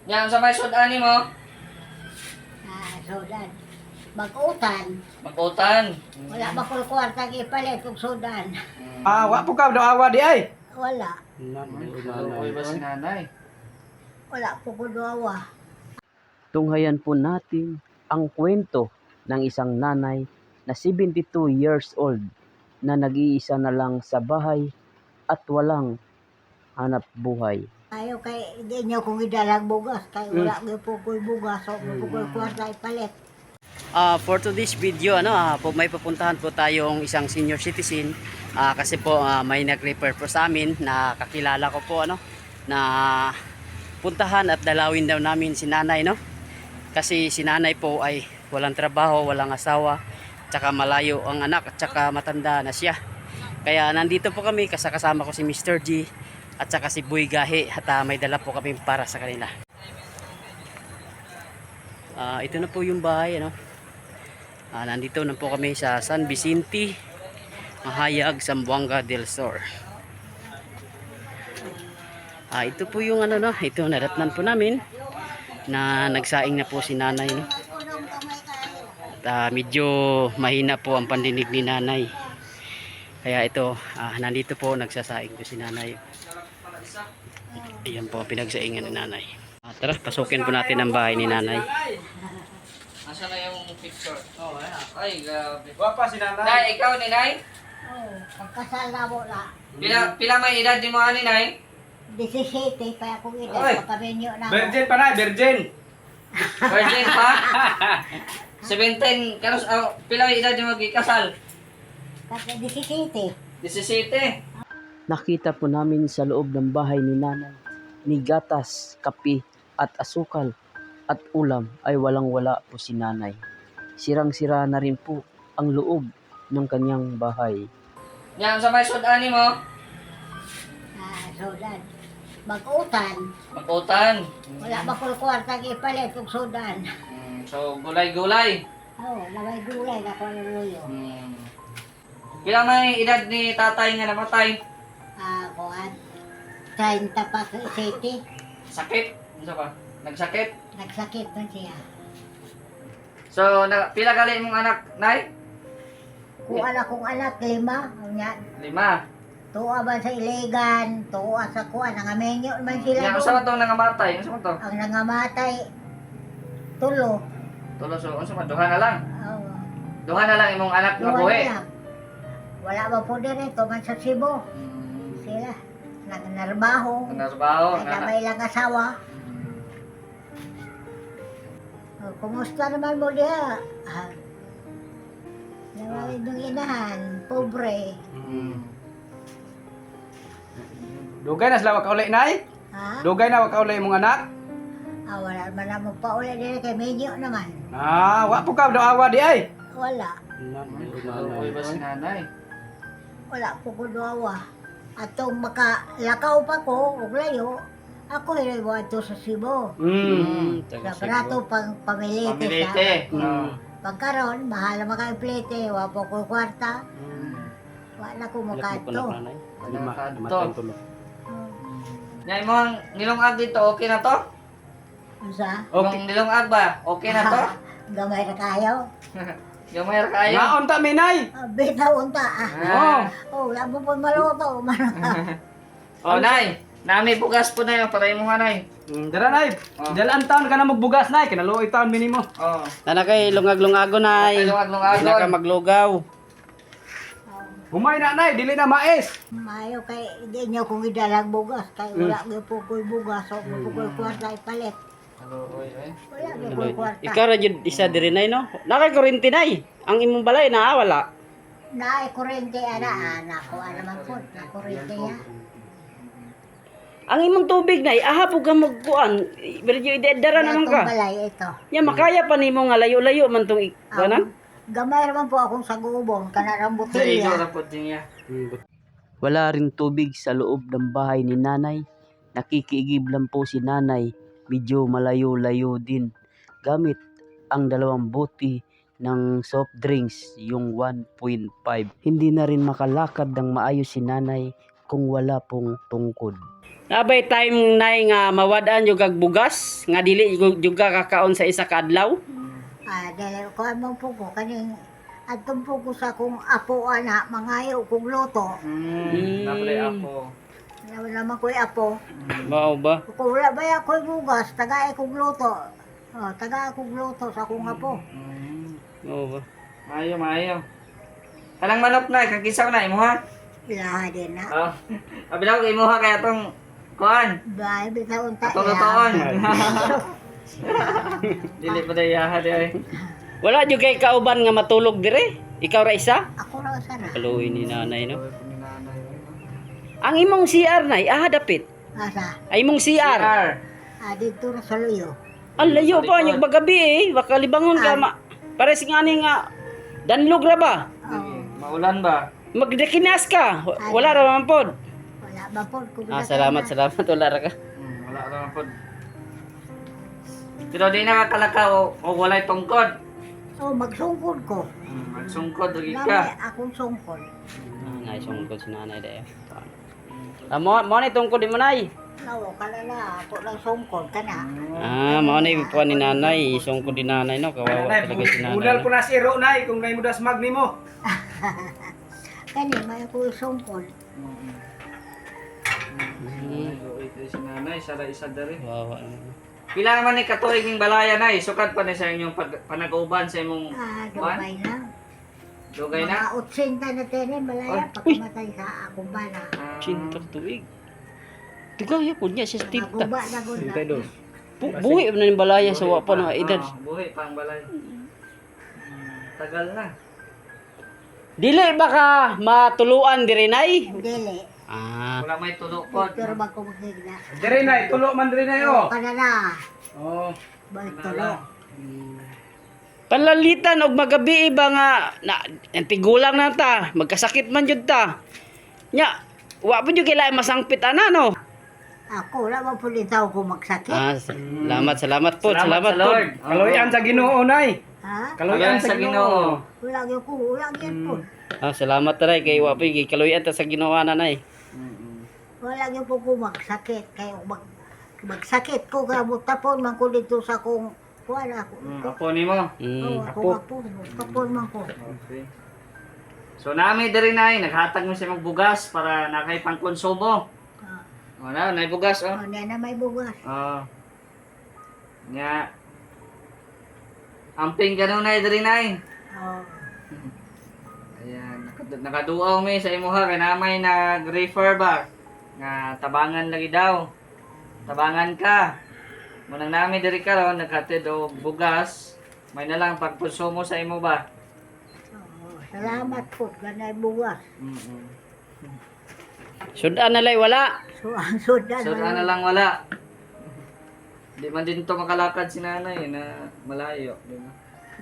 Yan sa may sudan mo. Sudan. Bagutan. Magutan. Wala ba ko kwarta ipalit kung sudan? Wa po ka daw awa di ay. Wala. Uy ba si nanay? Wala po ko dawa. Tunghayan po natin ang kwento ng isang nanay na 72 years old na nag-iisa na lang sa bahay at walang hanap buhay. Ayaw kay hindi niyo kung idalang bugas. Kay wala po ko bugas. So, po ko kwarta ipalit. For today's video, may pupuntahan po tayong isang senior citizen kasi po may nag-refer po sa amin na kakilala ko po na puntahan at dalawin daw namin si nanay kasi si nanay po ay walang trabaho, walang asawa, tsaka malayo ang anak at tsaka matanda na siya. Kaya nandito po kami kasama ko si Mr. G at tsaka si Boy Gahi at may dala po kami para sa kanila. Ito na po yung bahay nandito na po kami sa San Vicente, Mahayag, Zamboanga del Sur. Ito po yung ito nadatnan po namin na nagsaing na po si nanay At medyo mahina po ang pandinig ni nanay. Kaya ito nandito po nagsasaing po si nanay. Ayan po pinagsaingan ni nanay. Tara, pasukin po natin ang bahay ni nanay. Asa na yung picture? Oh, ayan. Ay, grabe. Wa si nanay. Nay, ikaw ni Nay? Pagkasal na mo na. Pila may edad di mo ani Nay? 17 pa akong Oy. edad. Pagkabenyo na mo. Virgin pa na, virgin. Virgin pa? 17. Karos, pila may edad di mo gikasal? Kasi 17. 17. Nakita po namin sa loob ng bahay ni nanay ni gatas, kape at asukal at ulam ay walang-wala po si nanay. Sirang-sira na rin po ang loob ng kanyang bahay. Yan sa may sudan mo. Sudan. Bagutan. Magutan. Wala ba ko kwarta ipalit kung sudan? So, gulay-gulay. Laway gulay na ko luyo. Pila may edad ni tatay nga namatay? Kuan. 30 pa sa city. Sakit? Ano pa? Nagsakit? Nagsakit man siya. So, pila gali mong anak, Nay? Kung anak 5, ang yan. 5. Tuwa ba sa Iligan, tuwa sa kuan, nangamenyo man sila Yan, doon. unsa man tong nangamatay? Unsa man to? Ang nangamatay, tulo. Tulo so unsa man duha na lang. Oh, Duha na lang imong anak nga duwa buhi. na lang. Wala ba po din ito, man sa Cebu. Sila, nagnarbaho. Nagtrabaho, Ay may lang asawa. Kumusta naman mo diha? Nawalid ng inahan, pobre. Dugay na sila wa ka uli nay. Ha? Dugay na wa ka uli imong anak. Wala man na magpauli din kay Medyo naman. Wa po ka daw awa di ay. Wala. Uy ba si nanay? Wala po ko dawa. At kung makalakaw pa ko, ug layo, ako hiniwa ito sa Cebu. Sa brato pang pamilite Pamilite. sa. Pagkaroon, mahal na maka-plete, wa po ko kwarta. Wala ko makato. Wala ka to. Yan imong nilungag dito, okay na to? Usa? Okay. Yung nilungag ba? Okay na to? Gamay na kayo. Yung may kayo? Naon ta minay. Bitaw unta. Wala mo po maluto. Oh, Nay. Nami bugas po na yun. Patay mo nga, Nay. Dara nay. Dalaan taon ka na magbugas nay, kinaluoy taon minimo. Oh. Nana kay lungag-lungago nay. Lungag-lungagon. Naka maglugaw. Humay na nay, dili na mais. Mayo kay hindi nyo kung idalang bugas. Kay wala mo po ko'y bugas. O mo po ko'y kwarta ipalit. Wala mo ko'y kwarta. Ikaw ra jud isa diri nay no. Naka kuryente nay. Ang imong balay wala. Naay kurente anak ko naman po. Na kurente niya. Ang imong tubig nay aha po ka magkuan. Medyo idedara naman Itong ka. balay ito. Ya makaya pa nimo nga layo-layo man tong ikanan. Gamay naman po akong sagubong. Kanarang Sa iyo butilya. na po din niya. Wala rin tubig sa loob ng bahay ni nanay. Nakikiigib lang po si nanay. Medyo malayo-layo din. Gamit ang 2 bote ng soft drinks, yung 1.5. Hindi na rin makalakad ng maayos si nanay kung wala pong tungkod. Nabay time nay nga mawadaan yung kag bugas nga dili yung kakaon sa isa ka adlaw. Dahil ko amang po ko, kaning atong po ko sa kong apo ana, mangayo kong luto. Napalay ako. Naman ko'y apo. Mao ba? Kung wala ba ako'y bugas, tagay kong luto. Taga akong luto sa akong apo. Mao ba? Maayo. Kanang manok na, kagisaw na, imuha. Ilaha din na. Oh. Kabilang ko imuha kaya tong kuan. Bahay, bitaon ta. Totoon. Dili pa day yaha day. Wala jud kay kauban nga matulog dire. Ikaw ra isa? Ako lang sana. Kaluoy ni nanay no. Ang imong CR nay dapit. Asa? Ay imong CR. Dito na sa luyo. Ang layo pa yung bagabi baka libangon ka pares nga ni nga danlog ra ba? Maulan ba? Magdekinas ka. Wala ra man pod. Wala ba po? Salamat wala ra ka. Wala naman po. Pero di nakakalakaw o walay tungkod. Magsungkod ko. Magsungkod, lagi Lamay ka. akong sungkod. Nay sungkod si nanay dayo. Mo ni tungkod di mo nay. Nawo, kalala, ako lang sungkod ka na. Mo ni po ni nanay, sungkod di nanay no, kawawa talaga si nanay. Udal ko na si Ro nay kung nay mudas mag nimo. Kani, may ako sungkod. Ito si nanay, sara isa dari. Kawawa. Pila naman ni katuig ng balaya na sukat pa ni sa inyong panag-uban sa imong Dugay na. dugay na. Mga 80 na tinin, malaya, pagkamatay sa akong bana. Cinta tuig. Tugay po niya siya tinta. Naguba na gunda. Buhi na yung balaya sa wapa ng edad. Buhi pang balay. Tagal na. Dili baka matuluan diri nay. Dili. Wala may tulo po. Pero ba ko magigna? Dire nay, tulo man dire nay oh. Kanana. Oh. Balik tulo. Panlalitan og magabi ba nga tigulang na ta, magkasakit man jud ta. Nya, wa po jud kailangan masangpit ana no. Ako, wala man po litaw ko magsakit. Salamat po, salamat sa po. Lord. Kaloyan sa Ginoo nay. Ha? Kaloyan sa Ginoo. Wala gyud ko, wala gyud po. Salamat taray kay wa po kay kaluyan ta sa Ginoo nanay. Wala gyud po ko magsakit. Kaya magsakit ko, kabutapon man ko dito sa kong wala ko. Apo ni mo. Ako, tapon man ko. Okay. So nami diri nay naghatag mo siya magbugas para nakay pangkonsumo. Wala, nay bugas oh. Niya na may bugas. Nya. Amping kanon nay diri nay. Ayan, nakaduaw mi sa imuha kay namay nag-refer ba nga tabangan lagi daw. Tabangan ka. Munang nami diri karon naghatid og bugas. May na lang pagkonsumo sa imo ba? Salamat po, ganay bugas. Sudan na lay wala. So, ang sudan. So na lang wala. Di man din to makalakad si nanay na malayo, di ba?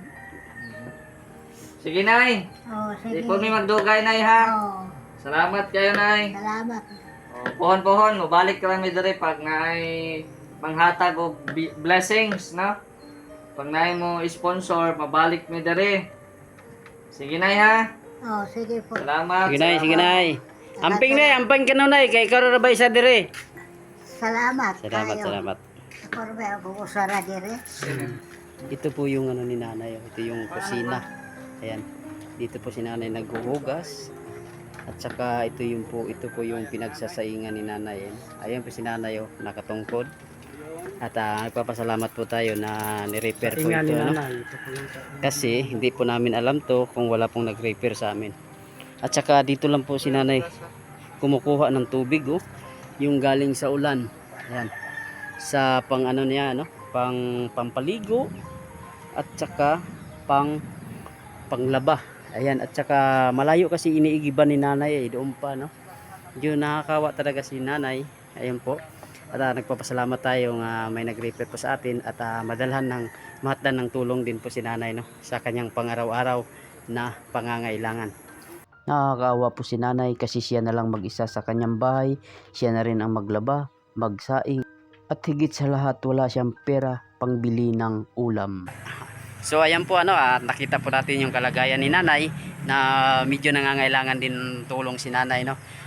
Sige nay. Sige. Di po mi magdugay nay ha. Salamat kayo nay. Salamat. Pohon-pohon, mabalik ka lang mi diri pag naay manghatag og blessings, no? Pag naay mo sponsor, mabalik mi diri. Sige nay ha. Sige po. Salamat. Sige nay. Amping ka nay kay karon ra ba isa dire. Salamat. Salamat. Ako rin ba ako usara dire? Ito po yung ni nanay, ito yung kusina. Ayan. Dito po si nanay naghuhugas. At saka ito po yung pinagsasaingan ni nanay. Ayan po si nanay nakatungkod. At nagpapasalamat po tayo na ni-repair po ito. Kasi hindi po namin alam to kung wala pong nag-repair sa amin. At saka dito lang po si nanay kumukuha ng tubig yung galing sa ulan. Ayan. Sa pang niya pampaligo at saka panglaba. Ayan, at saka malayo kasi iniigiban ni nanay doon pa Yun, nakakawa talaga si nanay. Ayan po. At nagpapasalamat tayo nga may nag-repair po sa atin at mahatdan ng tulong din po si nanay sa kanyang pangaraw-araw na pangangailangan. Nakakaawa po si nanay kasi siya na lang mag-isa sa kanyang bahay. Siya na rin ang maglaba, magsaing, at higit sa lahat wala siyang pera pangbili ng ulam. So ayan po nakita po natin yung kalagayan ni nanay na medyo nangangailangan din tulong si nanay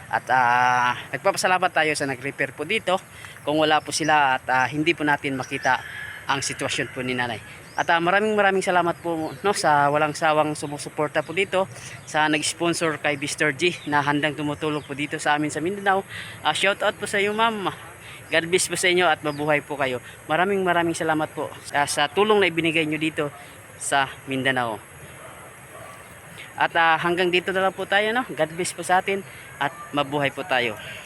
At nagpapasalamat tayo sa nag-repair po dito. Kung wala po sila at hindi po natin makita ang sitwasyon po ni nanay. At maraming salamat po no, sa walang sawang sumusuporta po dito, sa nag-sponsor kay Mr. G na handang tumutulong po dito sa amin sa Mindanao. Shout out po sa iyo, ma'am. God bless po sa inyo at mabuhay po kayo. Maraming salamat po sa tulong na ibinigay nyo dito sa Mindanao. At hanggang dito na lang po tayo, no? God bless po sa atin at mabuhay po tayo.